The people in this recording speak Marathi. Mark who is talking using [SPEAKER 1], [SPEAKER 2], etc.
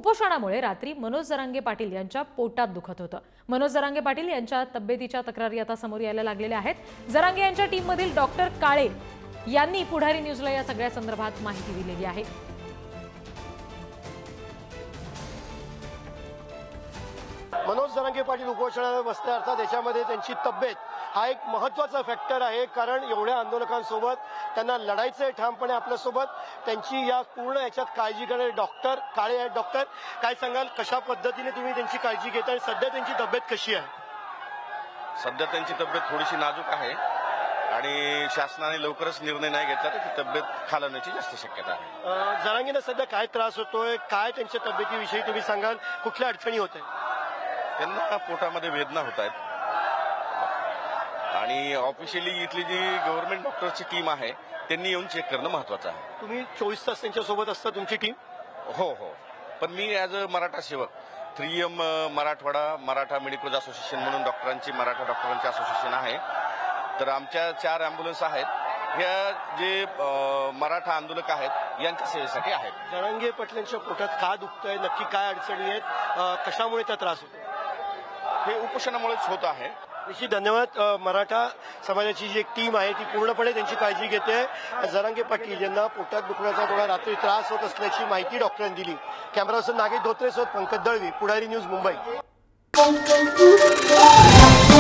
[SPEAKER 1] कुपोषणामुळे रात्री मनोज जरांगे पाटील यांच्या पोटात दुखत होतं। मनोज जरांगे पाटील यांच्या तब्येतीच्या तक्रारी आता समोर यायला लागलेल्या आहेत। जरांगे यांच्या टीममधील डॉक्टर काळे यांनी पुढारी न्यूजला या सगळ्या संदर्भात माहिती दिलेली आहे।
[SPEAKER 2] मनोज जरांगे पाटील उपोषणावर बसले अर्थात याच्यामध्ये त्यांची तब्येत हा एक महत्त्वाचा फॅक्टर आहे, कारण एवढ्या आंदोलकांसोबत त्यांना लढायचं आहे ठामपणे आपल्यासोबत। त्यांची या पूर्ण याच्यात काळजी करणारे डॉक्टर काळे आहेत। डॉक्टर, काय सांगाल, कशा पद्धतीने तुम्ही त्यांची काळजी घेता आणि सध्या त्यांची तब्येत कशी आहे?
[SPEAKER 3] सध्या त्यांची तब्येत थोडीशी नाजूक आहे आणि शासनाने लवकरच निर्णय नाही घेतला तर ती तब्येत खालावण्याची जास्त शक्यता आहे।
[SPEAKER 2] जरांगेंना सध्या काय त्रास होतोय, काय त्यांच्या तब्येतीविषयी तुम्ही सांगाल, कुठल्या अडचणी होत आहेत?
[SPEAKER 3] त्यांना पोटामध्ये वेदना होत आहेत आणि ऑफिशियली इथली जी गव्हर्नमेंट डॉक्टरची टीम आहे त्यांनी येऊन चेक करणं महत्वाचं आहे।
[SPEAKER 2] तुम्ही 24 तास त्यांच्यासोबत असता तुमची टीम?
[SPEAKER 3] हो, पण मी ॲज अ मराठा सेवक 3M Marathwada Maratha medical association म्हणून मराठा डॉक्टरांची असोसिएशन आहे, तर आमच्या 4 ॲम्ब्युलन्स आहेत। ह्या जे मराठा आंदोलक आहेत यांच्या सेवेसाठी आहेत।
[SPEAKER 2] जरांगे पाटलांच्या पोटात का दुखतंय, नक्की काय अडचणी आहेत, कशामुळे त्या त्रास होतो?
[SPEAKER 3] हे उपोषणामुळेच होत आहे।
[SPEAKER 2] निश्चित धन्यवाद। मराठा समाजाची जी एक टीम आहे ती पूर्णपणे त्यांची काळजी घेते। जरांगे पाटील यांना पोटात दुखण्याचा थोडा रात्री त्रास होत असल्याची माहिती डॉक्टरांनी दिली। कॅमेरा पर्सन नागेश धोत्रेसोबत पंकज दळवी, पुढारी न्यूज, मुंबई।